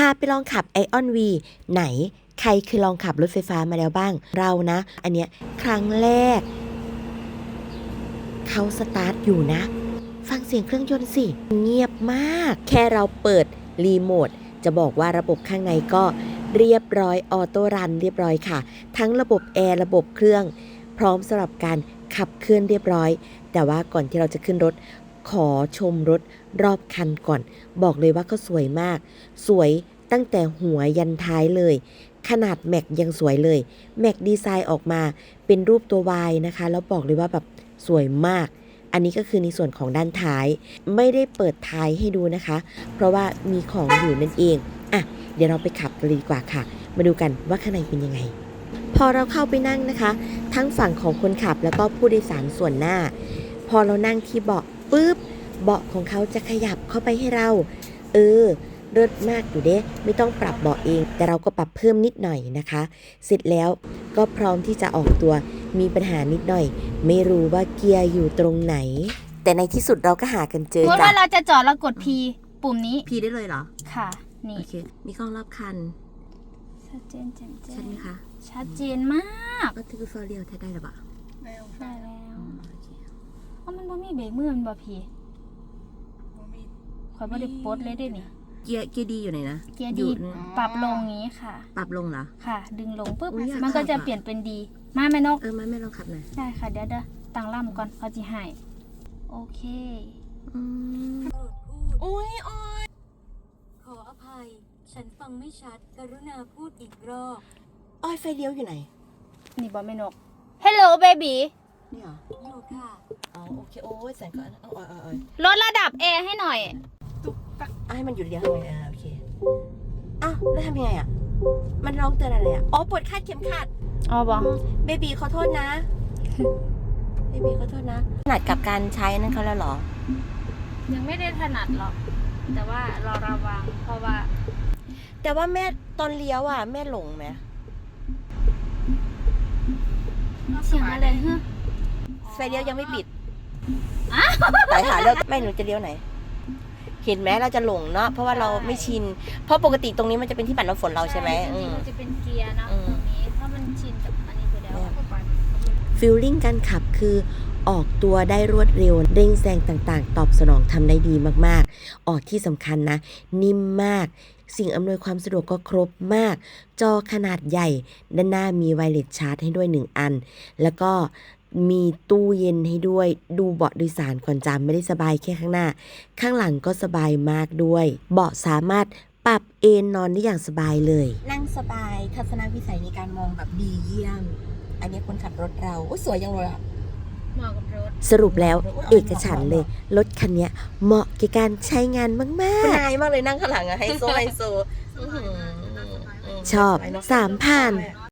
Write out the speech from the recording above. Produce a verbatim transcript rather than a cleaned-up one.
ไปลองขับ Ion V ไหนใครเคยลองขับรถไฟฟ้ามาแล้วบ้างเรานะอันเนี้ยครั้งแรกเขาสตาร์ทอยู่นะฟังเสียงเครื่องยนต์สิเงียบมากแค่เราเปิดรีโมทจะบอกว่าระบบข้างในก็เรียบร้อยออโต้รันเรียบร้อยค่ะทั้งระบบแอร์ระบบเครื่องพร้อมสำหรับการขับเคลื่อนเรียบร้อยแต่ว่าก่อนที่เราจะขึ้นรถขอชมรถรอบคันก่อนบอกเลยว่าก็สวยมากสวยตั้งแต่หัวยันท้ายเลยขนาดแม็กยังสวยเลยแม็กดีไซน์ออกมาเป็นรูปตัว Y นะคะแล้วบอกเลยว่าแบบสวยมากอันนี้ก็คือในส่วนของด้านท้ายไม่ได้เปิดท้ายให้ดูนะคะเพราะว่ามีของอยู่นั่นเองอ่ะเดี๋ยวเราไปขับกันเลยดีกว่าค่ะมาดูกันว่าข้างในเป็นยังไงพอเราเข้าไปนั่งนะคะทั้งฝั่งของคนขับแล้วก็ผู้โดยสารส่วนหน้าพอเรานั่งที่เบาะปุ๊บเบาะของเขาจะขยับเข้าไปให้เราเออเลิศมากอยู่เด้ไม่ต้องปรับเบาะเองแต่เราก็ปรับเพิ่มนิดหน่อยนะคะเสร็จแล้วก็พร้อมที่จะออกตัวมีปัญหานิดหน่อยไม่รู้ว่าเกียร์อยู่ตรงไหนแต่ในที่สุดเราก็หากันเจอเมื่อจ้ะว่าเราจะจอดเรากด P ปุ่มนี้พีได้เลยเหรอค่ะนี่โอเคมีกล้องรอบคันชัดเจนแจ่มแจ้ชัดงไหมคะชัดเจนมากก็คือฟอร์เรียลได้หรือเปล่าได้แล้วโอเคเพราะมันบ่มีเบรกมือมันบ่พีคอยบ่ได้ปลดเลยได้นี่เกียร์เกียร์ดีอยู่ไหนนะเกียร์ดีปรับลงงี้ค่ะปรับลงเหรอค่ะ ดึงลงปุ๊บอุ๊ยอยากมันก็จะขับอะเปลี่ยนเป็นดี มาแม่นกเออไม่ไม่ลองขับหน่อยได้ค่ะเดี๋ยวเดี๋ยวตั้งล่ำก่อนเขาจะให้โอเคอืมโปรดพูดโอ้ยโอ้ยขออภัย ฉันฟังไม่ชัด กรุณาพูดอีกรอบอ้อยไฟเลี้ยวอยู่ไหนนี่บ่แม่นก Hello baby นี่เหรออยู่ค่ะอ๋อโอเคโอ้ยแสงก่อนเอาเอาเอาเอาลดระดับแอร์ให้หน่อยเอาให้มันหยุดเลี้ยวทำไงอ่าโอเคอ้าวแล้วทำยังไงอ่ะมันร้องเตือนอะไรอ่ะอ๋อปวดคาดเข็มขัดอ๋อบ่เบบีขอโทษนะ เบบีขอโทษนะถนัดกับการใช้นั่นเขาแล้วเหรอยังไม่ได้ถนัดหรอก แต่ว่าเราระวังเพราะว่าแต่ว่าแม่ตอนเลี้ยวอ่ะแม่หลงไหมเสียงอะไรฮะไฟเลี้ยวยังไม่ปิดไปหาเลี้ยวแม่หนูจะเลี้ยวไหน เห็นไหมเราจะหลงเนาะเพราะว่าเราไม่ชิน เพราะปกติตรงนี้มันจะเป็นที่ปัดน้ำฝนเราใช่ไหมจริงๆมันจะเป็นเกียร์นะอืตมรงนี้ถ้ามันชินกับอันนี้ไปแล้วก็ไปฟีลลิ่งการขับคือออกตัวได้รวดเร็วเร่งแซงต่างๆ ตอบสนองทำได้ดีมากๆ ออกที่สำคัญนะ นิ่มมาก สิ่งอำนวยความสะดวกก็ครบมาก จอขนาดใหญ่ ด้านหน้ามีไวเลสชาร์จให้ด้วยหนึ่งอัน แล้วก็มีตู้เย็นให้ด้วยดูเบาะโดยสารก่อนจำไม่ได้สบายแค่ข้างหน้า ข้างหลังก็สบายมากด้วย เบาะสามารถปรับเอนนอนได้อย่างสบายเลย นั่งสบายทัศนวิสัยในการมองแบบดีเยี่ยม อันนี้คนขับรถเราสวยยังเลยอ่ะเหมาะกับรถสรุปแล้วเอกฉันท์เลย รถคันนี้เหมาะกับการใช้งานมากๆนายมากเลยนั่งข้างหลังอะไฮโซไฮโซชอบสามผ่าน